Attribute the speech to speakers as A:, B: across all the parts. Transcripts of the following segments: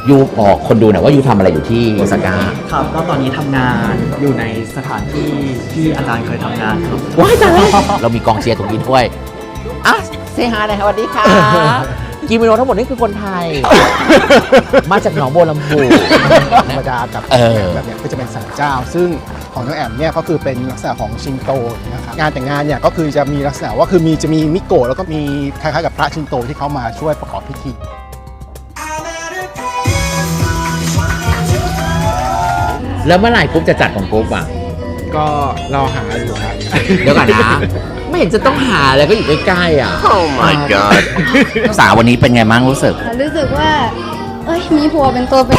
A: ยูบอกคนดูหน่อยว่ายูทำอะไรอยู่ที่โอซาก้า
B: ครับก็ตอนนี้ทำงานอยู่ในสถานที่ที่อาจารย์เคยทำงานครับ
A: ว้ายตายแล้วเรามีกองเชียร์ตรงนี้ด้วยอ่ะเซฮาหน่อยครับสวัสดีค่ะกิโมโนทั้งหมดนี่คือคนไทย มาจากหนองบัวลำพู
C: ธรรมดากับแบบเนี้ยก็จะเป็นศาลเจ้าซึ่งของน้องแอมเนี่ยก็คือเป็นลักษณะของชินโตนะครับงานแต่งงานเนี่ยก็คือจะมีลักษณะว่าคือจะมีมิโกะแล้วก็มีคล้ายๆกับพระชินโตที่เขามาช่วยประกอบพิธี
A: แล้วเมื่อไหร่กุ๊บจะจัดของกุ๊บอ่ะ
C: ก็เราหาอยู่ครับ
A: เดี๋ยวก่อนนะ ไม่เห็นจะต้องหาแล้วก็อยู่ใกล้ๆอ่ะ
D: Oh my god
A: สาววันนี้เป็นไงบ้างรู้สึก
E: รู้สึกว่า เอ้ย มีผัวเป็นตัวเป็น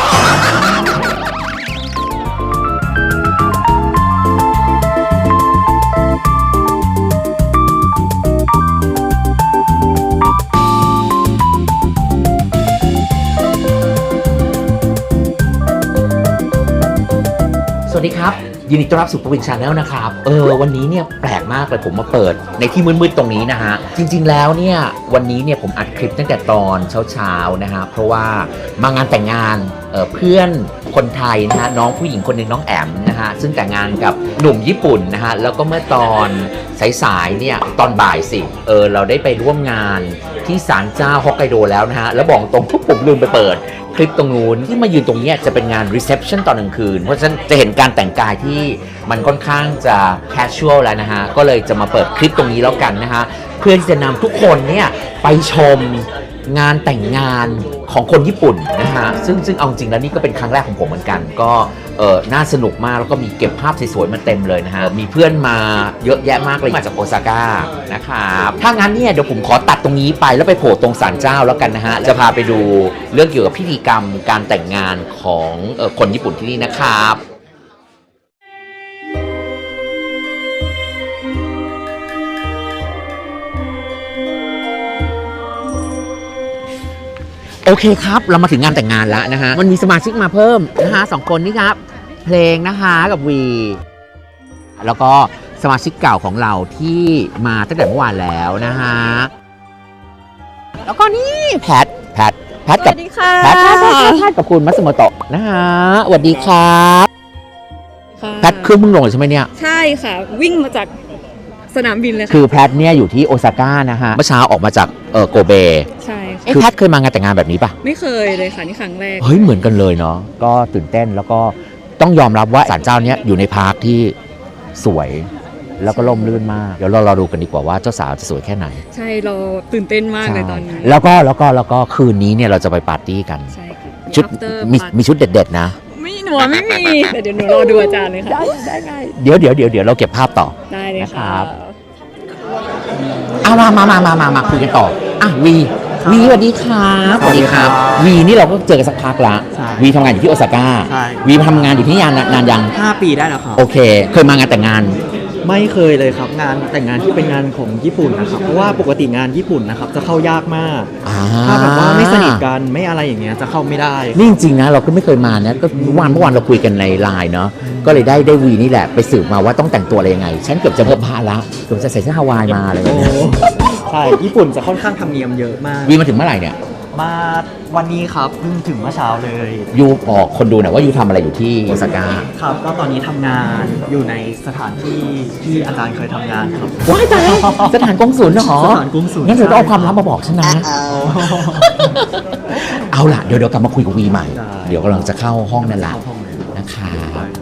A: สวัสดีครับ ยินดีต้อนรับสู่ปวินชาแนลนะครับวันนี้เนี่ยแปลกมากเลยผมมาเปิดในที่มืดๆตรงนี้นะฮะจริงๆแล้วเนี่ยวันนี้เนี่ยผมอัดคลิปตั้งแต่ตอนเช้าๆนะฮะเพราะว่ามางานแต่งงานเพื่อนคนไทยนะฮะน้องผู้หญิงคนหนึ่งน้องแอมนะฮะซึ่งแต่งงานกับหนุ่มญี่ปุ่นนะฮะแล้วก็เมื่อตอนสายๆเนี่ยตอนบ่ายสิเราได้ไปร่วมงานที่ศาลเจ้าฮอกไกโดแล้วนะฮะแล้วบอกตรงทุกผมลืมไปเปิดคลิปตรงนู้นที่มายืนตรงนี้จะเป็นงาน reception ตอนกลางคืนเพราะฉะนั้นจะเห็นการแต่งกายที่มันค่อนข้างจะ casual แล้วนะฮะก็เลยจะมาเปิดคลิปตรงนี้แล้วกันนะฮะเพื่อที่จะนำทุกคนเนี่ยไปชมงานแต่งงานของคนญี่ปุ่นนะฮะซึ่งเอาจริงแล้วนี่ก็เป็นครั้งแรกของผมเหมือนกันก็น่าสนุกมากแล้วก็มีเก็บภาพสวยๆมาเต็มเลยนะฮะมีเพื่อนมาเยอะแยะมากเลยมาจากโอซาก้านะครับถ้างั้นเนี่ยเดี๋ยวผมขอตัดตรงนี้ไปแล้วไปโผล่ตรงศาลเจ้าแล้วกันนะฮะจะพาไปดูเรื่องเกี่ยวกับพิธีกรรมการแต่งงานของคนญี่ปุ่นที่นี่นะครับโอเคครับเรามาถึงงานแต่งงานแล้วนะฮะมันมีสมาชิกมาเพิ่มนะฮะ2 คนนี่ครับเพลงนะคะกับวีแล้วก็สมาชิกเก่าของเราที่มาตั้งแต่เมื่อวานแล้วนะฮะแล้วก็นี่แพทกับแพทกับคุณมัสโมโตะนะฮะสวัสดีครับแพทขึ้นเพิ่งลงเลยใช่ไหมเนี่ย
F: ใช่ค่ะ วิ่งมาจากสนามบินเลยค่ะ
A: คือแพทเนี่ยอยู่ที่โอซาก้านะฮะเมื่อเช้าออกมาจากโกเบ
F: ใช่ค่ะ
A: แพทเคยมางานแต่งงานแบบนี้ปะ
F: ไม่เคยเลยค่ะ นี่ครั้งแรก
A: เฮ้ยเหมือนกันเลยเนาะก็ตื่นเต้นแล้วก็ต้องยอมรับว่าศาลเจ้าเนี้ยอยู่ในพาร์คที่สวยแล้วก็ร่มรื่นมากเดี๋ยวเราดูกันดีกว่าว่าเจ้าสาวจะสวยแค่ไหน
F: ใช่เราตื่นเต้นมากเลยตอนนี้
A: แล้วก็คืนนี้เนี่ยเราจะไปปาร์ตี้กัน
F: ใช่ค่ะ
A: ชุด
F: After
A: มีชุดเด็ดๆนะ
F: ไม่มีแต่เดี๋ยวหนูรอดูอาจารย์เลยค่ะ
A: เดี๋ยวเราเก็บภาพต่อ
F: ได้เลย
A: นะครั
F: ค่ะ
A: บ เอามาคุยกันต่ออ่ะวีสวัสดีครับสวัสดีครับวีนี่เราก็เจอกันสักพักละ
B: ใช่
A: วีทำงานอยู่ที่โอซาก้า
B: ใช่
A: วีทำงานอยู่ที่นี่นานยัง
B: 5 ปีได้แล้วครับ
A: โอเคเคยมางานแต่งงาน
B: ไม่เคยเลยครับงานแต่งงานที่เป็นงานของญี่ปุ่นนะครับเพราะว่าปกติงานญี่ปุ่นนะครับจะเข้ายากมาก ถ้าแบบว่าไม่สนิทกันไม่อะไรอย่างเงี้ยจะเข้าไม่ได้
A: นี่จริงๆนะเราก็ไม่เคยมานะก็เมื่อวานเราคุยกันในไลน์เนาะก็เลยได้วีนี่แหละไปสืบมาว่าต้องแต่งตัวอะไรยังไงฉันเกือบจะเพิ่มผ้าละเกือบจะใส่เสื้อฮาวายมาอะไรอย่างเงี้ย
B: ใช่ญี่ปุ่นจะค่อนข้างธรรมเนียมเยอะมาก
A: วีมาถึงเมื่อไหร่เนี่ย
B: มาวันนี้ครับเพิ่งถึงเมื่อเช้าเลย
A: ยูบอกคนดูหน่อยว่ายูทำอะไรอยู่ที่โอซาก้า
B: ครับก็ตอนนี้ทำงานอยู่ในสถานที่ที่อาจารย์เคยทำงานครับ
A: ว้ายตายแล้วสถานกงสุลเหรอ
B: สถานกงสุล
A: งั้นเดี๋ยวต้องเอาความลับมาบอกฉันนะ เอาล่ะเดี๋ยวกลับมาคุยกับวีใหม่
B: ได้
A: เดี๋ยวกำลังจะเข้าห้องนั่นแหละ
B: เข้าห้องเลย
A: นะคะ
B: ได้ครับ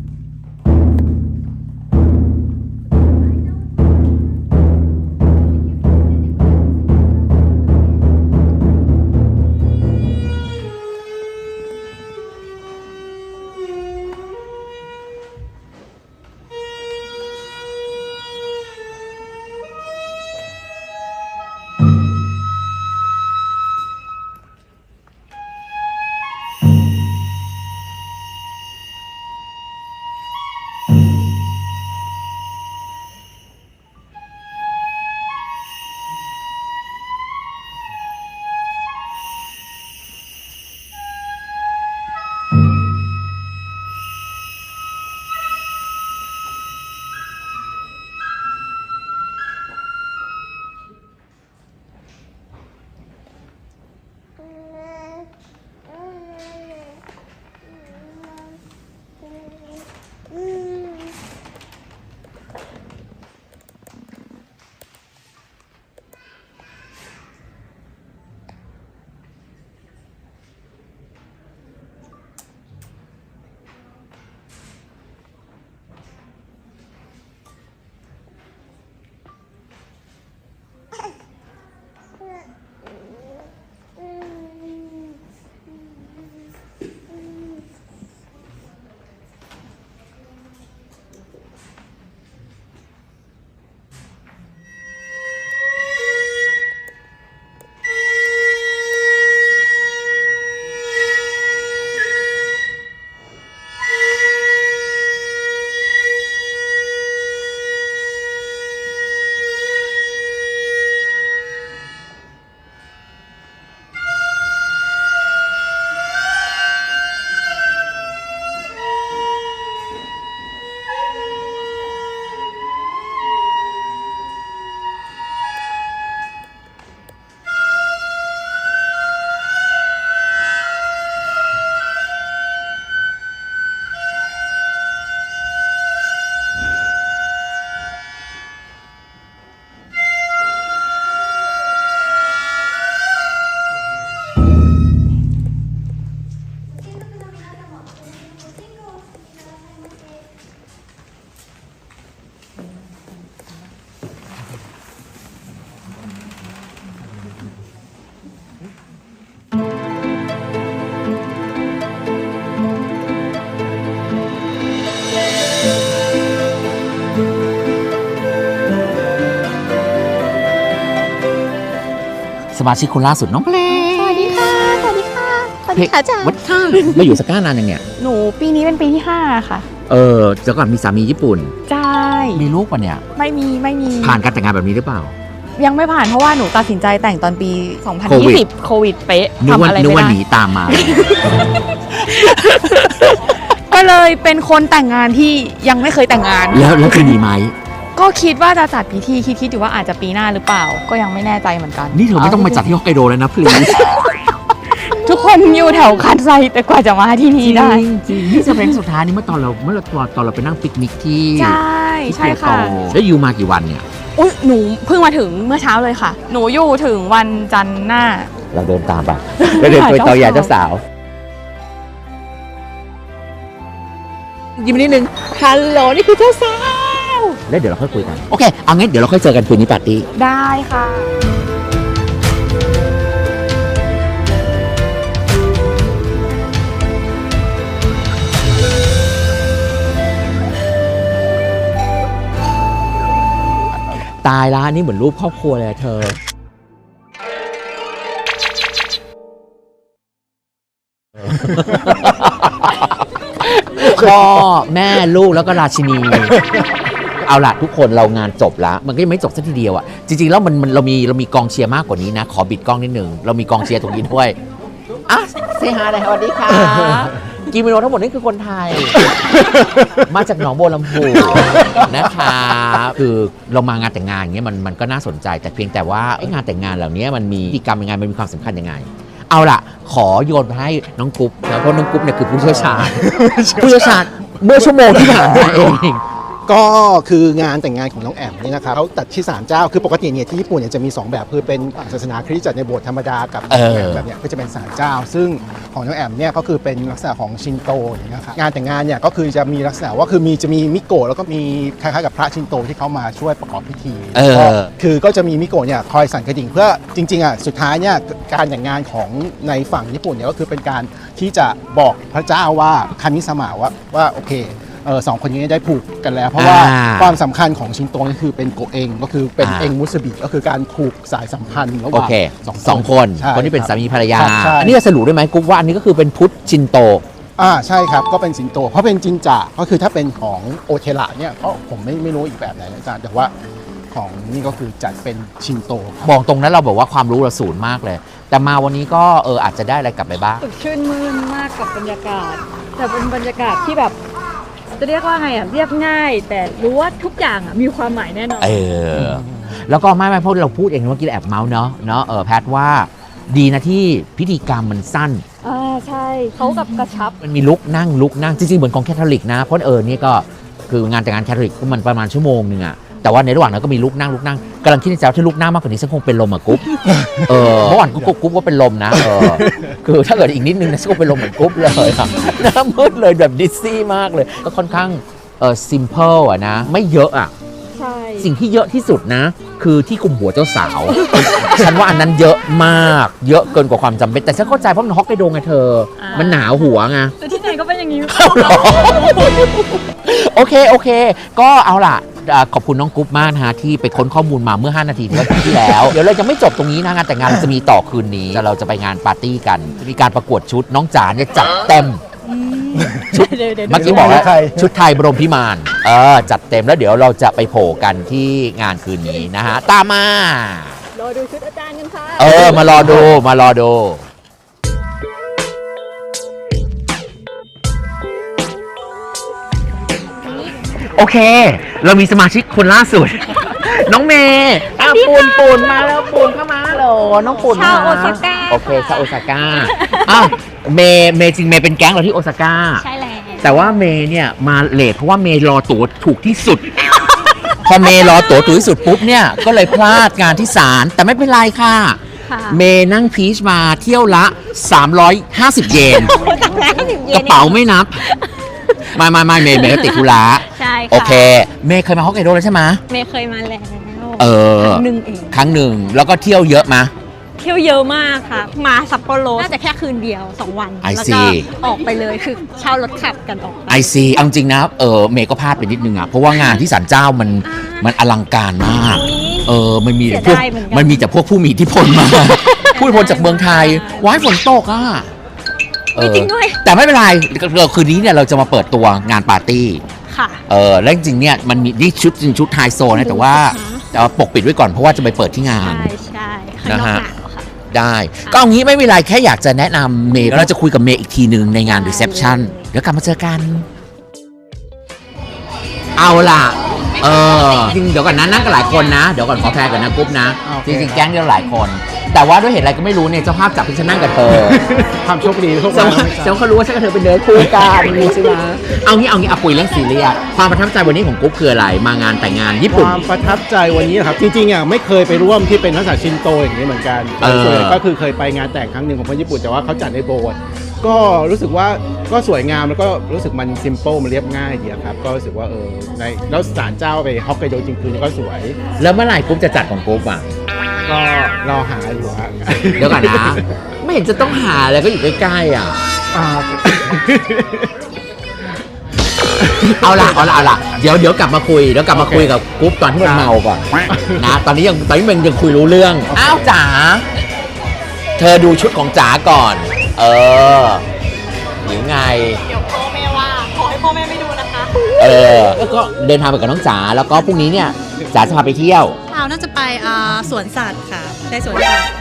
E: เ
A: สมาชิกคนล่าสุดน้องเพลง
E: สวัสดีค่ะ สวัสดีค่ะ สวัสดีค่ะอาจารย์
A: วัดข้ามาอยู่สก้านานยังเนี่ย
D: หนูปีนี้เป็นปีที่ 5 ค่ะ
A: เดี๋ยวก่อนมีสามีญี่ปุ่น
D: ใช่
A: มีลูกป่ะเนี่ย
D: ไม่มี
A: ผ่านการแต่งงานแบบนี้หรือเปล่า
D: ยังไม่ผ่านเพราะว่าหนูตัดสินใจแต่งตอนปี
A: โควิด
D: 2020 โควิดเป๊ะ
A: นึก
D: ทำ
A: ว่า
D: อะไร
A: นึก
D: ไม่
A: ว่าห
D: ได้
A: นีตามมา
D: ก็เลยเป็นคนแต่งงานที่ยังไม่เคยแต่งงาน
A: แล้วคือหนีไหม
D: ก็คิดว่าจะจัดพิธีคิดอยู่ว่าอาจจะปีหน้าหรือเปล่า ก็ยังไม่แน่ใจเหมือนกัน
A: นี่เธอไม่ต้องมาจัดที่ฮอกไกโดแล้วนะพลีส
D: ทุกคนอยู่แถวคันไซแต่กว่าจะมาที่นี่ได้
A: จริงนี่จะเป็นสุดท้ายนี่เมื่อตอนเราไปนั่งปิกนิกที่
D: ใช่ใช่ค่ะ
A: แล้วอยู่มากี่วันเนี่ย
D: อุ๊ยหนูเพิ่งมาถึงเมื่อเช้าเลยค่ะ หนูอยู่ถึงวันจันทร์หน้า
A: เราเดินตามไปเราเดินไปต่อยาเจ้าสาวยิ้มนิดนึงฮัลโหลนี่คือเจ้าสาวแล้วเดี๋ยวเราค่อยคุยกันโอเคเอางั้นเดี๋ยวเราค่อยเจอกันคืนนี้ปาร์ตี้
D: ได้ค่ะ
A: ตายละนี่เหมือนรูปครอบครัวเลยอะเธอ พ่อแม่ลูกแล้วก็ราชินี เอาล่ะทุกคนเรางานจบแล้ว มันก็ยังไม่จบสักทีเดียวอ่ะ จริงๆแล้วเรามีกองเชียร์มากกว่านี้นะ ขอบิดกล้องนิดนึง เรามีกองเชียร์ตรงนี้ด้วยอ่ะเซฮาเลยสวัสดีค่ะ กิโมโนทั้งหมดนี่คือคนไทย มาจากหนองบัวลำพูนะคะคือเรามางานแต่งงานอย่างเงี้ยมันก็น่าสนใจแต่เพียงแต่ว่าไอ้งานแต่งงานเหล่านี้มันมีพิธีกรรมยังไงมันมีความสำคัญยังไง เอาล่ะขอโยนไปให้น้องกุ๊บนะเพราะน้องกุ๊บเนี่ยคือผู้เชี่ยวชาญ ผู้เชี่ยวชาญเมื่อชั่วโมงที่ผ่านมาเอง
C: ก็คืองานแต่งงานของน้องแอมเนี่ยนะครับเขาจัดที่ศาลเจ้าคือปกติเนี่ยที่ญี่ปุ่นเนี่ยจะมี 2 แบบคือเป็นศาสนาคริสต์จัดในโบสถ์ธรรมดากับแบบเนี้ยก็จะเป็นศาลเจ้า ซึ่งของน้องแอมเนี่ยก็คือเป็นลักษณะของชินโตนะครับงานแต่งงานเนี่ยก็คือจะมีลักษณะว่าคือจะมีมิโกะแล้วก็มีคล้ายๆกับพระชินโตที่เขามาช่วยประกอบพิธีก็จะมีมิโกะเนี่ยคอยสั่นกระดิ่งเพื่อจริงๆอ่ะสุดท้ายเนี่ยการแต่งงานของในฝั่งญี่ปุ่นเนี่ยก็คือเป็นการที่จะบอกพระเจ้าว่าคามิสมะว่าโอเคสองคนนี้ได้ผูกกันแล้ว เพราะว่าความสำคัญของชินโตนี่คือเป็นโกเองก็คือเป็นเองมุสบิก็คือการผูกสายสัมพันธ์ระห
A: โอ
C: ว่าง
A: เคสองคน
C: ใช่
A: คนที่เป็นสามีภรรยา
C: ใช่
A: อันนี้จะสรุปได้ไหมกุ๊บว่าอันนี้ก็คือเป็นพุทธชินโต
C: ใช่ครับก็เป็นชินโตเพราะเป็นจินจะก็คือถ้าเป็นของโอเทระเนี่ยก็ผมไม่รู้อีกแบบไหนนะอาจารย์แต่ว่าของนี่ก็คือจัดเป็นชินโตครับ
A: บอกตรงนั้นเราบอกว่าความรู้เราศูนย์มากเลย แต่มาวันนี้ก็อาจจะได้อะไรกลับไปบ้าง
F: สดชื่นมื่นมากกับบรรยากาศ แต่เป็นบรรยากาศที่แบบจะเรียกว่าไงอ่ะเรียบง่าย แต่รู้ว่าทุกอย่างอ่ะมีความหมายแน่นอน
A: แล้วก็ไม่เพราะเราพูดเองเมื่อกี้แอบเมาส์เนาะแพทว่าดีนะที่พิธีกรรมมันสั้น
F: ใช่เขากับกระชับ
A: มันมีลุกนั่งจริงๆเหมือนของแคทอลิกนะเพราะนี่ก็คืองานแต่งงานแคทอลิกมันประมาณชั่วโมงนึงอะแต่ว่าในระหว่างนั้นก็มีลุกนั่งกำลังคิดในใจว่าถ้าลุกนั่งมากกว่านี้ฉันคงเป็นลมอะกุ๊บเมื่อวานกุ๊บก็เป็นลมนะคือถ้าเกิดอีกนิดนึงนะฉันคงเป็นลมเหมือนกุ๊บเลยอะหน้ามืดเลยแบบดิสซี่มากเลยก็ค่อนข้างซิมเพิลอะนะไม่เยอะอะ
F: ใช่
A: สิ่งที่เยอะที่สุดนะ คือที่คุมหัวเจ้าสาว ฉันว่าอันนั้นเยอะมากเยอะเกินกว่าความจำเป็นแต่ฉันเข้าใจเพราะมันฮอกไกโดไงเธอ มันหนาวหัวไง
F: แต่ที่ไหนก็เป็นอย่างนี้
A: โอเค ก็เอาล่ะขอบคุณน้องกุ๊บมากนะฮะที่ไปค้นข้อมูลมาเมื่อ 5 นาทีที่แล้ว เดี๋ยวเราจะไม่จบตรงนี้นะงานแต่งงานเราจะมีต่อคืนนี้เราจะไปงานปาร์ตี้กันมีการประกวดชุดน้องจ๋าเนี่ยจัดเต็มชุด
F: เดี๋ยว
A: เมื่อกี้บอกแล้วชุดไทยบรมพิมานจัดเต็มแล้วเดี๋ยวเราจะไปโผล่กันที่งานคืนนี้นะฮะตามมาร
F: อดูชุดอาจารย์กันค่ะ
A: มารอดู โอเค เรามีสมาชิกคนล่าสุด น้องเมย์ปูนมาแล้วปูนเข้ามาเหรอน้องปูนมา
E: ชาวโอซาก้า
A: โอเคชาวโอซาก้าเมย์จริงเมย์เป็นแก๊งเราที่โอซาก้า
E: ใช่แล้ว
A: แต่ว่าเมย์เนี่ยมาเลทเพราะว่าเมย์รอตั๋วถูกที่สุด พอเมย์รอตั๋วถูกที่สุดปุ๊บเนี่ยก็เลยพลาดงานที่ศาลแต่ไม่เป็นไรค่ะ เมย์นั่งพีชมาเที่ยวละ 350 เยนกระเป๋าไม่นับไม่เมย์ก็ติดธุระ
E: ใช่ค่ะ
A: โอเค เมย์เคยมาฮอกไกโดแล้วใช่ไหม
E: เมย์เคยมาแล้ว
F: ครั้งหนึ่งเอง
A: ครั้งหนึ่งแล้วก็เที่ยวเยอะมา
E: เที่ยวเยอะมากค่ะ มาซัปโปโรน่าจะแค่คืนเดียว 2 วัน
A: I
E: แล้ว
A: see
E: ก็ออกไปเลยคือเช่ารถขับกันออกไป
A: ไอซีเอาจริงนะเมย์ก็พลาดไปนิดนึงอ่ะเพราะว่างานที่ศาลเจ้ามันอลังการมาก
E: อุ๊ย
A: มันมี
E: เสีย
A: พวก
E: ดายเหมือนกัน
A: มันมีแต่พวกผู้มีอิทธิพลมา ผู้มีอิทธิพลจากเมืองไทยว้ายฝนตกอ่ะ
E: จริงด้วย
A: แต่ไม่เป็นไรคืนนี้เนี่ยเราจะมาเปิดตัวงานปาร์ตี้
E: ค่ะ
A: แล้วจริงๆเนี่ยมันมีนี่ชุดไฮโซนะแต่ว่าจะเอาปกปิดไว้ก่อนเพราะว่าจะไปเปิดที่งาน
E: ใช่ข้างนอกหนาวค่ะ
A: ได้ก็เอางี้ไม่เป็นไรแค่อยากจะแนะนำเมย์แล้วเราจะคุยกับเมย์อีกทีหนึ่งในงานรีเซพชันเดี๋ยวกลับมาเจอกัน เอาล่ะจริงเดี๋ยวก่อนนะนั่งกันหลายคนนะเดี๋ยวก่อนขอแพรก่อนนะกรุ๊ปนะ
C: โอเค
A: จริงๆแก๊งเดียวหลายคน แต่ว่าด้วยเหตุอะไรก็ไม่รู้เนี่ยเจ้าภาพจับให้ฉันนั่งกับเธอ
C: ความโชคดีทุก
A: เจ้า
C: วัน
A: เจ้าเขารู้ว่าฉันกับเธอเป็นเนื้อคู่กันใช่ไหมเอางี้เอาคุยเรื่องซีเรียสความประทับใจวันนี้ของกรุ๊ปคืออะไรมางานแต่งงานญี่
C: ค
A: ปุ่น
C: วามประทับใจวันนี้นะครับจริงๆอ่ะไม่เคยไปร่วมที่เป็นลักษณะชินโตอย่างนี้เหมือนกัน ส่วนใหญ่ก็คือเคยไปงานแต่งครั้งหนึ่งของคนญี่ปุ่นแต่ว่าเขาจัดในโบสถ์ก็รู้สึกว่าก็สวยงามแล้วก็รู้สึกมันซิมเปิลมันเรียบง่ายดีครับก็รู้สึกว่าในแล้วศาลเจ้าไปฮอกไกโดจริงๆก็สวย
A: แล้วเมื่อไหร่กรุ๊ปจะจัดของกรุ๊ปอ่ะ
C: ก็รอหาอยู่ฮะ
A: เดี๋ยวก่อนนะ ไม่เห็นจะต้องหาเลยก็อยู่ใกล้ๆอ่ะ
C: อ่า
A: เอาล่ะเดี๋ยวกลับมาคุยกับกรุ๊ปตอนที่มันเมาก่อนนะตอนนี้มันยังคุยรู้เรื่องอ้าวจ๋าเธอดูชุดของจ๋าก่อนหรือไง
E: เดี๋ยวพ่อแม่ว่า ขอให้พ่อแม่ไม่ดูนะคะ
A: แล้วก็เดินทางไปกับน้องจ๋าแล้วก็พรุ่งนี้เนี่ยจ๋าจะพาไปเที่ยว
G: เราน่าจะไปสวนสัตว์ค่ะไปสวนสัตว์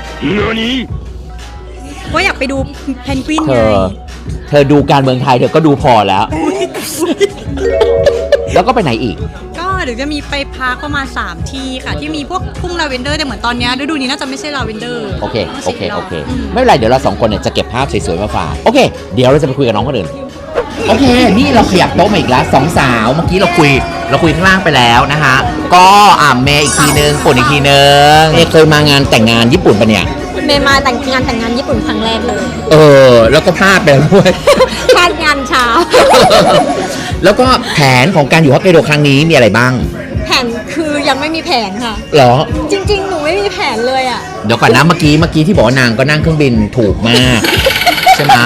G: ก็อยากไปดูเพนกวิน
A: เธ
G: ไง
A: เธอดูการเมืองไทยเธอก็ดูพอแล้ว แล้วก็ไปไหนอีก
G: ก็เดี๋ยวจะมีไปพักประมาณ3ที่ค่ะ ที่มีพวกทุ่งลาเวนเดอร์แต่เหมือนตอนเนี้ยฤดูนี้น่าจะไม่ใช่ลาเวนเดอร์
A: โอเค
G: ต้องช็ด
A: ไม่เป็นไร เดี๋ยวเรา2คนเนี่ยจะเก็บภาพสวยๆมาฝาก โอเค เดี๋ยวเราจะไปคุยกับน้องคนอื่น โอเค นี่เราขยับโต๊ะมาอีกแล้ว2 สาว เมื่อกี้เราคุยข้างล่างไปแล้วนะคะ ก็เมย์อีกทีนึงปุ่นอีกทีนึงเนี่ยเคยมางานแต่งงานญี่ปุ่นปะเนี่ย
E: เมย์มาแต่งงานญี่ปุ่นครั้งแรกเลย
A: แล้วก็พลาดไปแล้วด้วย
E: พลาดงานเช้า
A: แล้วก็แผนของการอยู่ฮอกไกโดครั้งนี้มีอะไรบ้าง
E: แผนคือยังไม่มีแผนค่ะ
A: เหรอ
E: จริงๆ หนูไม่มีแผนเลยอ่ะ
A: เดี๋ยวก่อนนะเมื่อกี้ที่บอกว่านางก็นั่งเครื่องบินถูกมาก ใช่ไหม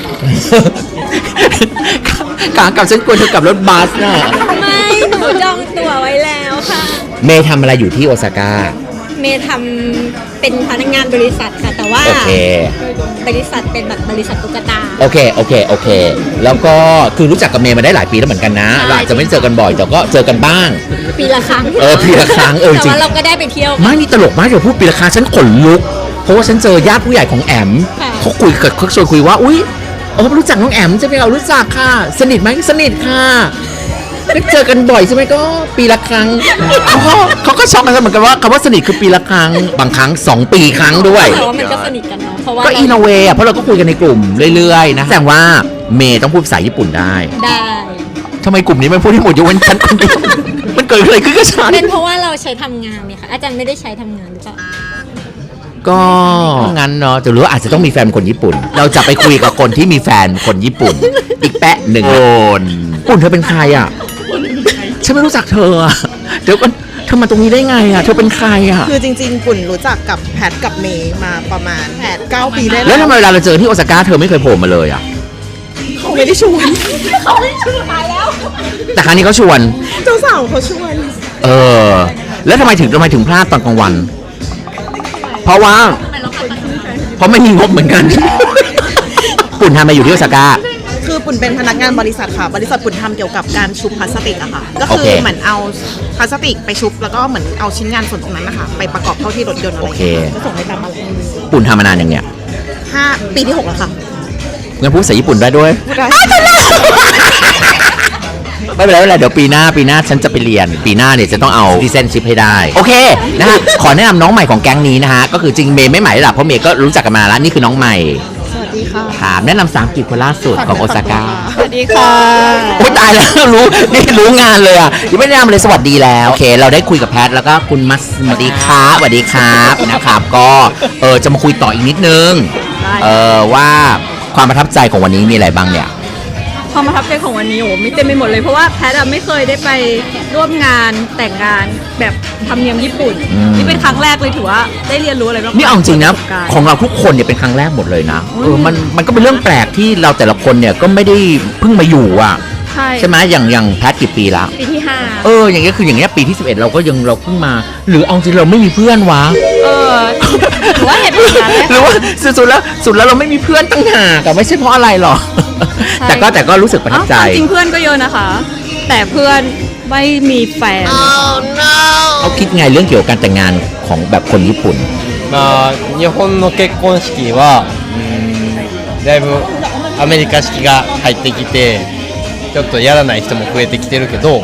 A: ขากลับฉันกลัวเธอกลับรถบัสน่ะ
E: ไม่ หนูจองตั๋วไว้แล้วค่ะ
A: เมย์ทำอะไรอยู่ที่โอซาก้า
E: เมย์ทำเป็นพนักงานบริษัทค่ะ แต่ว่า
A: โอเค
E: บริษัทเป็นแบบบริษัทตุ๊กตา
A: โอเค แล้วก็คือรู้จักกับเมย์มาได้หลายปีแล้วเหมือนกันนะ
E: ใช่
A: เราอาจจะไม่ได้เจอกันบ่อยแต่ก็เจอกันบ้าง
E: ปีละครั้ง
A: ปีละครั้งจ
E: แต่
A: ริง
E: ว่าเราก็ได้ไปเที่ยว
A: ไม่นี่ตลกมากเดี๋ยวพูดปีละครั้งฉันขนลุก เพราะว่าฉันเจอญาติผู้ใหญ่ของแอม
E: ค่ะ
A: เขาชวนคุยว่าอุ๊ยรู้จักน้องแอมใช่ไหมเรารู้จักค่ะ สนิทไหมสนิทค่ะได้เจอกันบ่อยใช่ไหมก็ปีละครั้งเขาก็ช็อกกันเหมือนกันว่าคำว่าสนิทคือปีละครั้งบางครั้ง2 ปีครั้งด้วย
E: แต่ว่ามันก็สนิทกันเนาะ เพราะว่า
A: ก็อินโนเวเพราะเราก็คุยกันในกลุ่มเรื่อยๆนะแสดงว่าเมย์ต้องพูดภาษาญี่ปุ่นได้
E: ได้
A: ทำไมกลุ่มนี้มันพูดที่หมดยกเว้นฉันคนเดียวมันเกิดอะไรขึ้นกับฉัน
E: เป็นเพราะว่าเราใช้ทำงานเนี่ยค่ะ อาจารย์ไม่ได้ใช้ทำงานหรือเปล่า
A: ก็งั้นเนาะแต่รู้ว่าอาจจะต้องมีแฟนคนญี่ปุ่น เราจะไปคุยกับคนที่มีแฟนคนญี่ปุ่น อีกแปะหนึ่งคนปุ่นเธอเป็นใครอ่ะฉันไม่รู้จักเธออะเดี๋ยวก่อนเธอมาตรงนี้ได้ไงอ่ะเธอเป็นใครอ่ะ
H: คือจริงๆ ปุ่นรู้จักกับแพทกับเมย์มาประมาณ8-9 ปีได้
A: แล้
H: แล้ว ว
A: ทำไมเวลาเราเจอที่โอซาก้าเธอไม่เคยโผล่มาเลยอ่ะ
H: เขาไม่ได้ชวน
A: แต่ครั้งนี้เขาชวน
H: เจ้าสาวเขาชวน
A: แล้วทำไมถึงพลาดตอนกลางวัน เพราะไม่มีงบเหมือนกัน ปุ่นทำมาอยู่ที่โอซาก้า
H: คือปุ่นเป็นพนักงานบริษัทค่ะ บริษัทปุ่นทำเกี่ยวกับการชุบพลาสติกอะค่ะ ก็
A: โอ
H: คื
A: เค
H: อเหมือนเอาพลาสติกไปชุบแล้วก็เหมือนเอาชิ้นงานส่วนตรงนั้นนะคะไปประกอบเข้าที่รถยนต์อะไรอย่างเงี้ยก็ส่งไปตามมาเลย
A: ปุ่นทำมานานอย่างเนี้ย
H: ปีที่ 6 แล้วค่ะ
A: งั้นพูดภาษาญี่ปุ่นได้ด้วย ไม่เป็นไรเดี๋ยวปีหน้าฉันจะไปเรียน ปีหน้าเนี่ยจะต้องเอาซิเซนชิพให้ได้ โอเคนะฮะ ขอแนะนำน้องใหม่ของแก๊งนี้นะฮะ ก็คือจริงเมย์ไม่ใหม่หรอกเพราะเมย์ก็รู้จักกันมานานแล้วนี่คือน้องใหม่
H: สวัสดีค่ะ
A: ถามแนะนำ3กิจคนล่าสุดของโอซาก้า
H: สวัสดีค่ะ
A: โอ้ตายแล้วรู้งานเลยอ่ะยังไม่ได้แนะนำเลยสวัสดีแล้วโอเค เราได้คุยกับแพทแล้วก็คุณมัสสวัสดีครับนะครับก็จะมาคุยต่ออีกนิดนึงว่าความประทับใจของวันนี้มีอะไรบ้างเนี่ย
F: ความประทับใจของวันนี้โอ้ไม่เต็มไปหมดเลยเพราะว่าแพทย์ไม่เคยได้ไปร่วมงานแต่งงานแบบธรรมเนียมญี่ปุ่น นี่เป็นครั้งแรกเลยถือว่าได้เรียนรู้อะไรบ้าง
A: นี่เอาจริงนะ
F: ปสบการณ์
A: ของเราทุกคนเนี่ยเป็นครั้งแรกหมดเลยนะมันก็เป็นเรื่องแปลกที่เราแต่ละคนเนี่ยก็ไม่ได้เพิ่งมาอยู่อ่ะใช่ไหมอย่างแพทกี่ปีละ
F: ปีที่
A: อย่างเงี้ยคืออย่างเงี้ยปีที่ 11 เราก็ยังเราเพิ่งมา หรือเอาจริงเราไม่มีเพื่อนวะ
F: 5หรือว่าเหตุผลนั้น
A: หรือว่าสุดแล้วเราไม่มีเพื่อนตั้งหากแต่ไม่ใช่เพราะอะไรหรอก
F: ใช่
A: แต่ก็รู้สึกประทับใจ
F: จริงเพื่อนก็เยอะนะคะ แต่เพื่อนไม่มีแฟน
A: เขาคิดไงเรื่องเกี่ยวกับการแต่งงานของแบบคนญี่ปุ่น
I: まあ日本の結婚式はだいぶアメリカ式が入ってきてちょっとやらない人も増えてきてるけど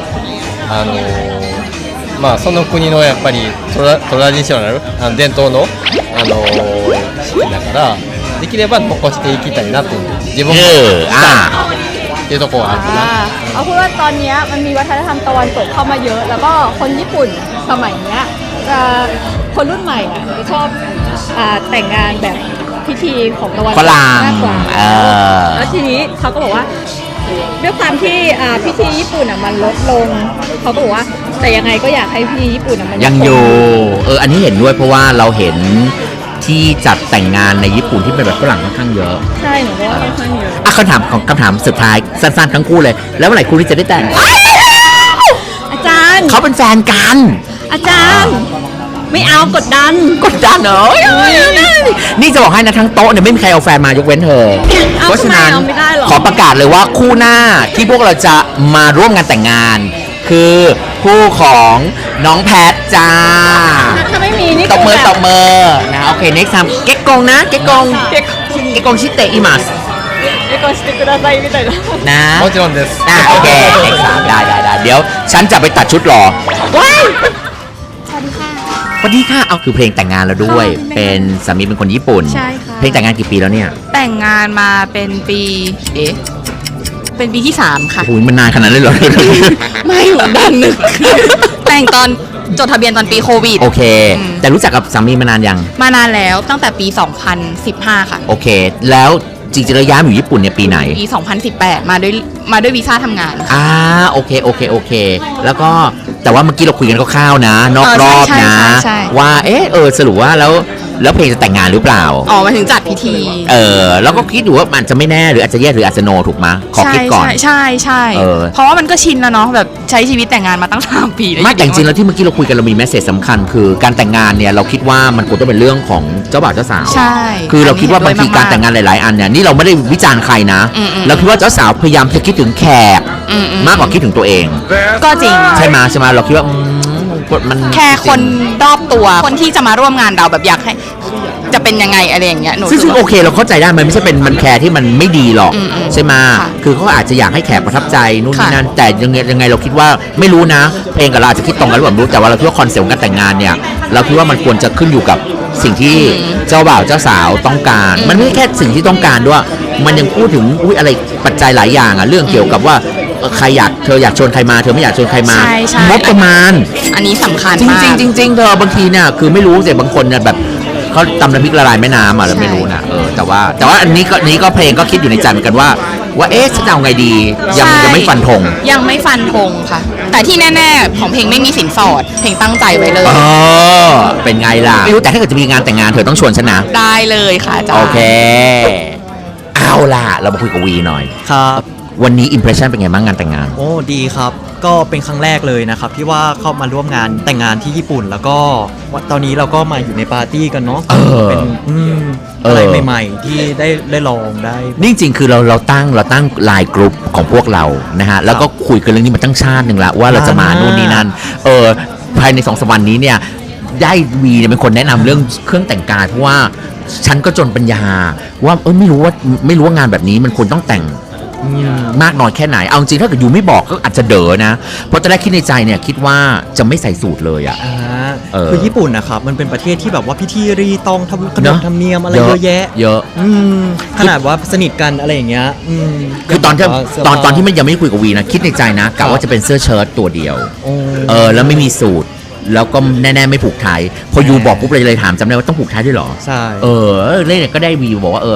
I: まあその国のやっぱりトラディショナル伝統の式だからできれば残していきたいなと自分もっていうところはあるかな。
F: เอาพูดว่าตอนเนี้ยมันมีวัฒนธรรมตะวันตกเข้ามาเยอะ แล้วก็คนญี่ปุ่นสมัยเนี้ยจะคนรุ่นใหม่อ่ะจะชอบแต่งงานแบบพิธีของตะวันต
A: ฝ
F: ก
A: รั่ง
F: มากกว่าแล้วทีนี้เขาก็บอกว่าด้วยความที่พิธีญี่ปุ่นอ่ะมันลดลงเขาก็บอกว่าแต่ยังไงก็อยากให้พิธีญี่ปุ่นอ่ะมัน
A: ยังอยู่อันนี้เห็นด้วยเพราะว่าเราเห็นที่จัดแต่งงานในญี่ปุ่นที่เป็นแบบฝรั่งค่อนข้างเยอะ
F: ใช่หนูก็ว่าค่อนข้างเยอะ
A: คำถามสุดท้ายสั้นๆทั้งคู่เลย แล้วเมื่อไหร่คู่นี้จะได้แต่ง
F: อาจารย์
A: เขาเป็นแฟนกัน
F: อาจารย์ไม่เอากดดัน
A: กดดันเหรอนี่จะบอกให้นะทั้งโต๊ะเนี่ยไม่มีใครเอาแฟนมายกเว้นเธอ
F: เอา
A: เพราะฉะนั้น
F: ทำไมเอาไม่ได้หรอ
A: ขอประกาศเลยว่าคู่หน้าที่พวกเราจะมาร่วมงานแต่งงาน คือคู่ของน้องแพทจ้า
F: ถ้าไม่มีนี่
A: ตบมือ
F: คือ
A: ต
F: แบบ
A: มือนะโอเค next time เก็กกงนะเก็กกงชิเตอิมัส
F: ไม่กดしてくださいみたいな
A: นะ
I: もちろんです。
A: โอเค next time ได้เดี๋ยวฉันจะไปตัดชุดหรอว้ายสวัสดีค่ะเอาคือเพลงแต่งงานแล้วด้วย เป็นสามีเป็นคนญี่ปุ่น
D: ใช่ค่ะ
A: เพลงแต่งงานกี่ปีแล้วเนี่ย
D: แต่งงานมาเป็นปีเป็นปีที่ 3 ค่ะ
A: โอ้ยมันนานขนาดนั้นเลยเหรอ
D: ไม่หนูดันนึก แต่งตอนจดทะเบียนตอนปีโควิด
A: โอเค แต่รู้จักกับสามีมานานยัง
D: มานานแล้วตั้งแต่ปี 2015 ค่ะ
A: โอเค แล้วจริงๆแล้วย้ายมาอยู่ญี่ปุ่นเนี่ยปีไหน
D: ปี 2018 มาด้วยวีซ่าทำงานค่ะ
A: โอเค แล้วก็แต่ว่าเมื่อกี้เราคุยกันคร่าวๆนะนอกรอบ
D: ใช่
A: นะ
D: ใช่
A: ว่าสรุปว่าแล้วเพลงจะแต่งงานหรือเปล่า
D: อ๋อมาถึงจัดพิธี
A: แล้วก็คิดอยู่ว่ามันจะไม่แน่หรืออาจจะแย่หรืออาจจะโนถูกไหมขอคิดก่อน
D: ใช่ เพราะว่ามันก็ชินแล้วเนาะแบบใช้ชีวิตแต่งงานมาตั้ง3 ปีเลย
A: ไม่แต่จริงๆแล้วที่เมื่อกี้เราคุยกันเรามีแมสเซจสำคัญคือการแต่งงานเนี่ยเราคิดว่ามันควรต้องเป็นเรื่องของเจ้าบ่าวเจ้าสาว
D: ใช่
A: คือเราคิดว่าบางทีการแต่งงานหลายๆอันเนี่ยนี่เราไม่ได้วิจารณ์ใครนะ เราคิดว่าเจ้าสาวพยายามจะคิดถึงแขกมากกว่าคิดถึงตัวเอง
D: ก็จริง
A: ใช่ไหมเราคิดว่ามัน
D: แค่คนรอบตัวคนที่จะมาร่วมงานเราแบบอยากให้จะเป็นยังไงอะไรอย่างเงี้ยหนู
A: ซึ่ง
D: รู้สึก
A: โอ
D: ว่า
A: เคเราเข้าใจได้มันไม่ใช่เป็นมันแคร์ที่มันไม่ดีหรอก ใช่ไหม
D: ค่ะ
A: คือเขาอาจจะอยากให้แขกประทับใจนู่นนี่
D: ค่ะ
A: นั่นแต่ยังไงเราคิดว่าไม่รู้นะเพลงกับเราอาจจะคิดตรงกันหรือเปล่าไม่รู้แต่ว่าเราคิดว่าคอนเซ็ปต์ของการแต่งงานเนี่ยเราคิดว่ามันควรจะขึ้นอยู่กับสิ่งที่เจ้าบ่าวเจ้าสาวต้องการ มันไม่ใช่แค่สิ่งที่ต้องการด้วยมันยังพูดถึงอะไรปัจจัยหลายอย่างเรื่องเกี่ยวกับว่าใครเธออยากชวนใครมาเธอไม่อยากชวนใครมา
D: ใช่
A: งบประมาณ
D: อันนี้สำคัญ
A: จริง
D: มาก
A: จริงๆเธอบางทีเนี่ยคือไม่รู้แต่บางคนเนี่ยแบบเขาตำน้ำพริกละลายแม่น้ำเราไม่รู้นะแต่ว่าอันนี้ก็เพลงก็คิดอยู่ในใจเหมือนกันว่าฉันจะเอาไงดียังไม่ฟันธง
D: ยังไม่ฟันธงค่ะ แต่ที่แน่ๆของเพลงไม่มีสินสอดเพลงตั้งใจไว้เลย
A: เป็นไงล่ะไม่รู้แต่ถ้าเกิดจะมีงานแต่งงานเธอต้องชวนฉันนะ
D: ได้เลยค่ะอาจารย์
A: โอเคเอาล่ะเรามาคุยกับวีหน่อย
B: ครับ
A: วันนี้อิมเพรสชั่นเป็นไงบ้างงานแต่งงาน
B: โอ้ดีครับ ก็เป็นครั้งแรกเลยนะครับที่ว่าเข้ามาร่วมงานแต่งงานที่ญี่ปุ่น แล้วก็ตอนนี้เราก็มาอยู่ในปาร์ตี้กันเนาะเป็นอะไรใหม่ๆที่ได้ลองได้
A: นี่จริงๆคือเราตั้งไลน์กลุ่มของพวกเรานะฮะแล้วก็คุยกันเรื่องนี้มาตั้งชาติหนึ่งละว่าเราจะมานู่นนี่นั่นภายใน2-3 วันนี้เนี่ยได้วีเนี่ยเป็นคนแนะนำเรื่องเครื่องแต่งกายเพราะว่าฉันก็จนปัญญาว่าไม่รู้ว่างานแบบนี้มันควรต้องแต่งมากน้อยแค่ไหนเอาจริงถ้าเกิดยูไม่บอกก็อาจจะเด๋อนะเพราะตอนแรกคิดในใจเนี่ยคิดว่าจะไม่ใส่สูทเลยอ่ะ
B: คือญี่ปุ่นนะครับมันเป็นประเทศที่แบบว่าพิธีรีตองทำขน
A: เน
B: บ
A: อะ
B: ธรรมเนียมอะไรเยอะแยะ
A: เยอะ
B: ขนาดว่าสนิทกันอะไรอย่างเงี้ย
A: คือตอนที่
B: แบบว่าเสื้ผ้า
A: ตอนที่มันยังไม่คุยกับวีนะคิดในใจนะกะว่าจะเป็นเสื้อเชิ้ตตัวเดียว แล้วไม่มีสูทแล้วก็แน่ๆไม่ผูกไทยพอยูบอกปุ๊บเลยถามจำได้ว่าต้องผูกไทยด้วยเหรอ
B: ใช่
A: เล่นก็ได้วีบอกว่าไท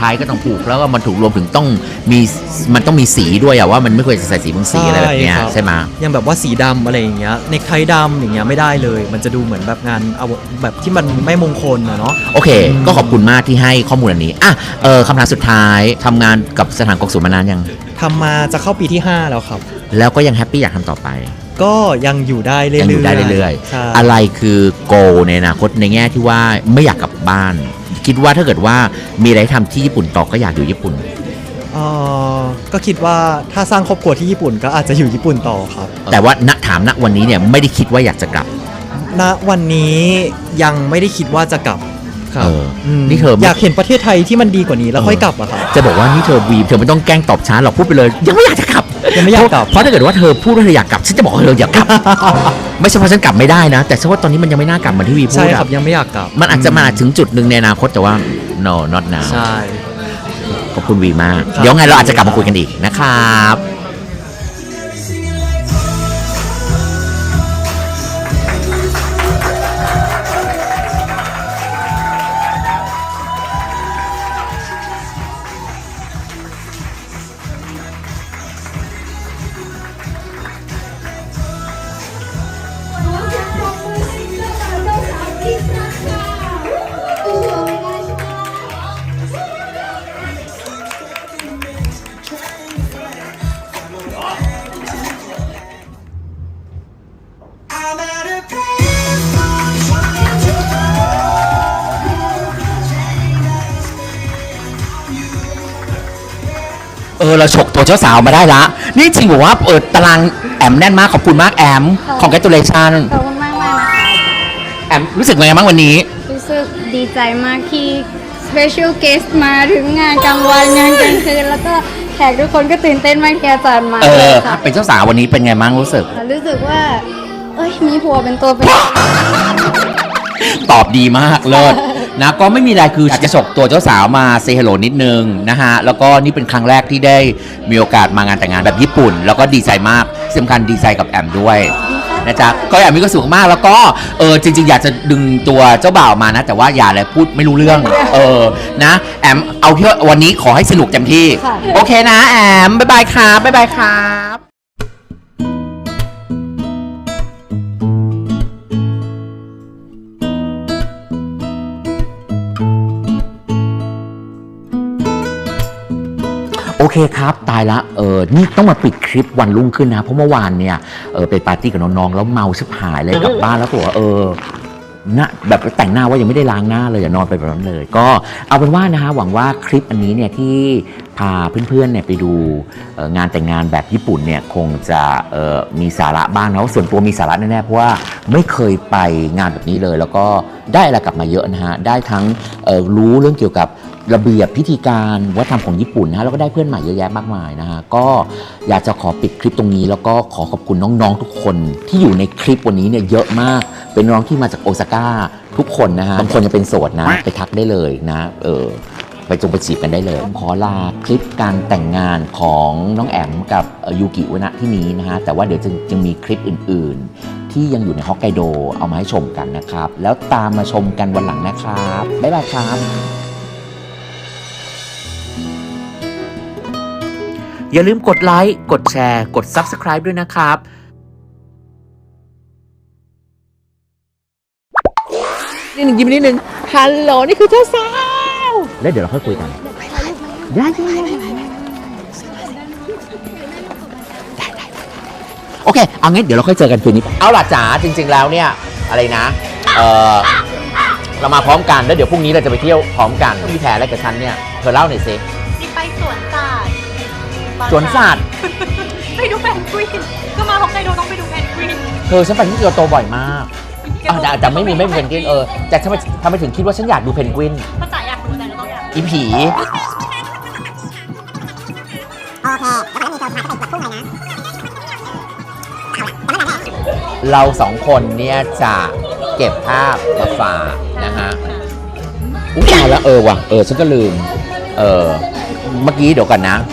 A: ทยก็ต้องผูกแล้วก็มันถูกรวมถึงต้องมีสีด้วยอะว่ามันไม่ควรจะใส่สีบางสีอะไรแบบเนี้ยใช่ไหม
B: ยังแบบว่าสีดำอะไรอย่างเงี้ยเนคไทดำอย่างเงี้ยไม่ได้เลย มันจะดูเหมือนแบบงานเอาแบบที่มันไม่มงคลอะเนาะ
A: โอเค ก็ขอบคุณมากที่ให้ข้อมูลอันนี้คำถามสุดท้ายทำงานกับสถานกงสุลมานานยัง
B: ทำมาจะเข้าปีที่ 5 แล้วครับ
A: แล้วก็ยังแฮปปี้อยากทำต่อไป
B: ก็ยังอยู่ได้เรื่อยๆ
A: ยังอยู่ได้เรื่อย
B: ใช่
A: ๆอะไรคือโกในอนาคตในแง่ที่ว่าไม่อยากกลับบ้าน คิดว่าถ้าเกิดว่ามีอะไรทำที่ญี่ปุ่นต่อก็อยากอยู่ญี่ปุ่น
B: ก็คิดว่าถ้าสร้างครอบครัวที่ญี่ปุ่นก็อาจจะอยู่ญี่ปุ่นต่อครับ
A: แต่ว่าถามณวันนี้เนี่ยไม่ได้คิดว่าอยากจะกลับ
B: ณวันนี้ยังไม่ได้คิดว่าจะกลับครับ ม
A: นี่เธอไม่
B: อยากเห็นประเทศไทยที่มันดีกว่านี้แล้วค่อยกลับอะครับ
A: จะบอกว่านี่เธอไม่ต้องแกล้งตอบช้าหรอกพูดไปเลย ยังไม่อยากจะกลับ
B: ยังไม่อยากกลับ
A: เพราะถ้าเกิดว่าเธอพูดว่าเธออยากกลับฉันจะบอกว่าเธออยากกลับ ไม่ใช่เพราะฉันกลับไม่ได้นะ แต่ฉันว่าตอนนี้มันยังไม่น่ากลับเหมือนที่วีพู
B: ใช่
A: ด
B: ครับ
A: อะ
B: ยังไม่อยากกลับ
A: มันอาจจะมาถึงจุดหนึ่งในอนาคตแต่ว่า no not now
B: ใช่
A: ขอบคุณวีมาก
B: ครับ
A: เดี๋ยวไงเราอาจจะกลับมาคุยกันอีกนะครับ เราฉกตัวเจ้าสาวมาได้ละ นี่จริงบอกว่าตารางแอมแน่นมากขอบคุณมากแอม congratulation
F: ขอบคุณมากมากนะคะ
A: แอมรู้สึกไงบ้างวันนี้
F: รู้สึกดีใจมากที่ special guest มาถึงงานกลางวันงานกลางคืนแล้วก็แขกทุกคนก็ตื่นเต้นมากที่อาจารย์มาเลยค่ะ
A: เป็นเจ้าสาววันนี้เป็นไงบ้างรู้สึก
F: รู้สึกว่า มีผัวเป็นตัวเป็น
A: ตอบดีมากเลิศนะก็ไม่มีอะไรคืออยากจะฉกตัวเจ้าสาวมาเซฮัลโหลนิดนึงนะฮะแล้วก็นี่เป็นครั้งแรกที่ได้มีโอกาสมางานแต่งงานแบบญี่ปุ่น แล้วก็ดีใจมากที่สำคัญดีใจกับแอมด้วยนะจ๊ะก็แอมมีก็สูงมากแล้วก็จริงๆ อยากจะดึงตัวเจ้าบ่าวมานะ แต่ว่าอย่าเลยพูดไม่รู้เรื่องนะแอมเอาที่วันนี้ขอให้สนุกเต็มที่ โอเคนะแอมบ๊ายบายครับบ๊ายบายครับโอเคครับตายละนี่ต้องมาปิดคลิปวันรุ่งขึ้นนะเพราะเมื่อวานเนี่ยไปปาร์ตี้กับน้องๆแล้วเมาชิบหายเลยกลับบ้านแล้วก็บอกว่านะแบบแต่งหน้าว่ายังไม่ได้ล้างหน้าเลยนอนไปแบบนั้นเลยก็เอาเป็นว่านะฮะหวังว่าคลิปอันนี้เนี่ยที่พาเพื่อนๆเนี่ยไปดูงานแต่งงานแบบญี่ปุ่นเนี่ยคงจะมีสาระบ้างนะส่วนตัวมีสาระแน่ๆเพราะว่าไม่เคยไปงานแบบนี้เลยแล้วก็ได้อะไรกลับมาเยอะนะฮะได้ทั้งรู้เรื่องเกี่ยวกับระเบียบพิธีการวัฒนธรรมของญี่ปุ่นนะฮะแล้วก็ได้เพื่อนใหม่เยอะแยะมากมายนะฮะก็อยากจะขอปิดคลิปตรงนี้แล้วก็ขอขอบคุณน้องๆทุกคนที่อยู่ในคลิปวันนี้เนี่ยเยอะมากเป็นน้องที่มาจากโอซาก้าทุกคนนะฮะบางคนยังเป็นโสดนะไปทักได้เลยนะไปไปจีบกันได้เลยขอลาคลิปการแต่งงานของน้องแอมกับยูกิวะนะที่นี้นะฮะแต่ว่าเดี๋ยวจะมีคลิปอื่นๆที่ยังอยู่ในฮอกไกโดเอามาให้ชมกันนะครับแล้วตามมาชมกันวันหลังนะครับบ๊ายบายครับอย่าลืมกดไลค์ กดแชร์ กด Subscribe ด้วยนะครับ นิดหนึ่งยิ้มนิดหนึ่งฮัลโหล นี่คือเจ้าสาว แล้วเดี๋ยวเราค่อยคุยกัน ได้โอเค เอางั้นเดี๋ยวเราค่อยเจอกันคืนนี้ เอาล่ะจ๋าจริง ๆ แล้วเนี่ย อะไรนะ เรามาพร้อมกัน แล้วเดี๋ยวพรุ่งนี้เราจะไปเที่ยวพร้อมกันมีแผนอะไรกับฉันเนี่ย เธอเล่าหน่อยสิ
G: ไปสวนสัตว์
A: สวนสัตว์
G: ไปดูแพนกวินก็มาฮอกไกโดต้องไปดูแพนกวิน
A: เธอฉันไปที่เกียวโตบ่อยมากแต่ไม่มีเพนกวินแต่ทำไมถึงคิดว่าฉันอยากดูเพนกวิน
G: ภาษาอยากดูแต่เราต้องอยาก
A: อีผี เราสองคนเนี่ยจะเก็บภาพมาฝากนะฮะอุ้ยตายแล้วว่ะฉันก็ลืมเมื่อกี้เดี๋ยวก่อนนะ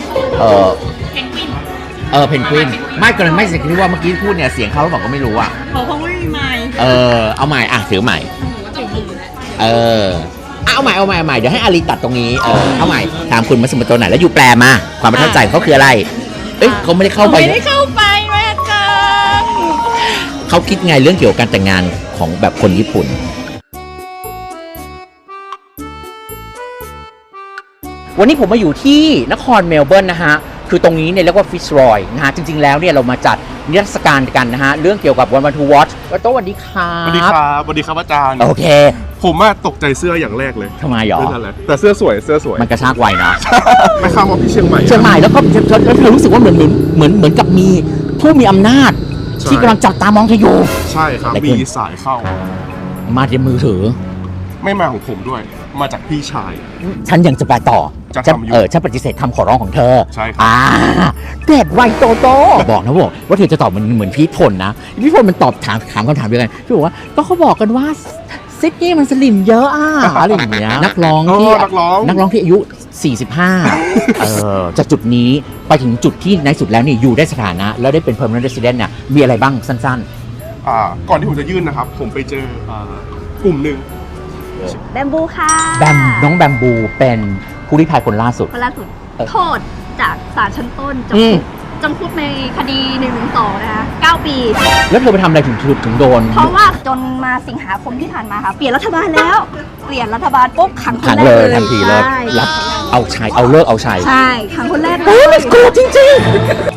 A: เพนกวินไม่กำลังไม่สิคิดว่าเมื่อกี้พูดเนี่ยเสียงเขาหรือเปล่าก็ไม่รู้อ่ะ
G: เขาไม่มีไมค์
A: เอาใหม่ถือใหม่เอาใหม่เดี๋ยวให้อารีตัดตรงนี้เอาใหม่ถามคุณมัสโมโตะหน่อยแล้วอยู่แปลมาความประทับใจของเขาคืออะไรเอ้ยเขาไม่ได้เข้าไป
F: ไม่ได้เข้าไปแม่จัง
A: เขาคิดไงเรื่องเกี่ยวกับการแต่งงานของแบบคนญี่ปุ่น วันนี้ผมมาอยู่ที่นครเมลเบิร์นนะฮะ คือตรงนี้เนี่ยเรียกว่าฟิชรอยนะฮะ จริงๆแล้วเนี่ยเรามาจัดนิทรรศการกันนะฮะ เรื่องเกี่ยวกับวันทูวอชโต้สวัสดีครับ
J: สวัสดีครับสวัสดีครับอาจารย์
A: โอเค
J: ผมตกใจเสื้ออย่างแรกเลย
A: ทำไมหรอ
J: นั่นแหละแต่เสื้อสวย
A: มันกระชากไวนะ
J: ไม่ข้ามว่าพี่เชียงใหม่
A: เชียงใหม่แล้วก็เธอรู้สึกว่าเหมือนกับมีผู้มีอำนาจ
J: ใช่
A: ที่กำลังจับตามองเธออยู่
J: ใช่ครับ
A: อะไรขึ้น
J: มีสายเข้า
A: มาที่มือถือ
J: ไม่มาของผมด้วย มาจากพี่ชาย
A: ฉันยังจะไปต่อ
J: จะทำอยู่
A: ฉันปฏิเสธคำขอร้องของเธอ
J: ใช่ครับ
A: เด็ดไวโตโตบอกนะบอกว่าเธอจะตอบเหมือนพี่พลนะพี่พลมันตอบถามคำถามเดียวกันพี่บอกว่าก็เขาบอกกันว่าซิดนี่มันสลิมเยอะอะไรอย่างเงี้ยนักร้องที่อายุ 45จากจุดนี้ไปถึงจุดที่ในสุดแล้วนี่อยู่ได้สถานะ แล้วได้เป็น permanent resident เนี่ยมีอะไรบ้างสั้น
J: ก่อนที่ผมจะยื่นนะครับ ผมไปเจอกลุ่มหนึ่ง
F: แบมบูค่ะ
A: น้องแบมบูเป็นผู้ลี้ภัยคนล่าสุด
F: คนล่าสุดโทษจากศาลชั้นต้นจำคุกในคดี112นะคะ9 ปี
A: แล้วเธอไปทำอะไรถึงโดน
F: เพราะว่าจนมาสิงหาคมที่ผ่านมาค่ะ เปลี่ยนรัฐบาลแล้ว เปลี่ยนรัฐบาลปุ๊บขังคน
A: ขัง
F: แรก
A: เลย
F: เลย
A: ทันทีเลย
F: ใช่
A: รับเอาชัยเอาเลิกเอาชัย
F: ใช่ขังคนแรกเล
A: โอ้
F: ย
A: let's go จริง